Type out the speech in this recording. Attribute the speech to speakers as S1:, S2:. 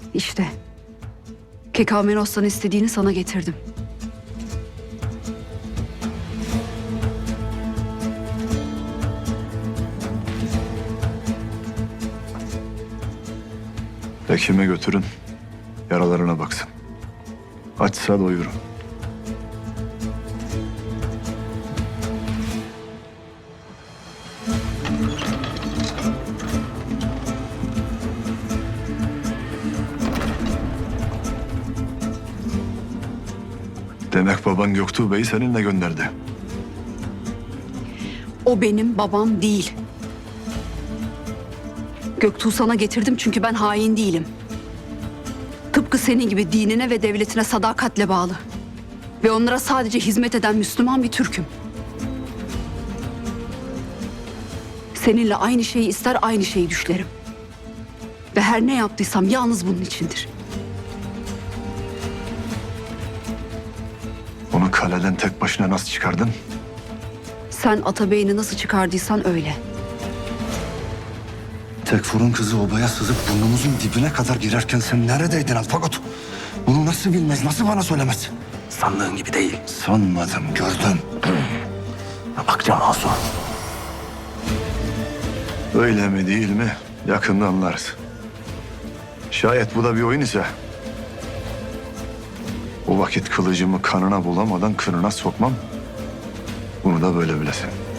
S1: İşte Kekamenos'tan istediğini sana getirdim.
S2: Hekime götürün. Yaralarına baksın. Açsa doyurun. Demek baban Göktuğ Bey'i seninle gönderdi.
S1: O benim babam değil. Göktuğ sana getirdim çünkü ben hain değilim. Tıpkı senin gibi dinine ve devletine sadakatle bağlı. Ve onlara sadece hizmet eden Müslüman bir Türk'üm. Seninle aynı şeyi ister, aynı şeyi düşlerim. Ve her ne yaptıysam yalnız bunun içindir.
S2: Onu kaleden tek başına nasıl çıkardın?
S1: Sen Atabey'ini nasıl çıkardıysan öyle.
S3: Tekfur'un kızı obaya sızıp burnumuzun dibine kadar girerken sen neredeydin Alfagot? Bunu nasıl bilmez, nasıl bana söylemez?
S4: Sandığın gibi değil.
S3: Sanmadım, gördüm.
S4: Bakacağım Asu.
S2: Öyle mi değil mi? Yakında anlarız. Şayet bu da bir oyun ise... o vakit kılıcımı kanına bulamadan kınına sokmam. Bunu da böyle bilesin.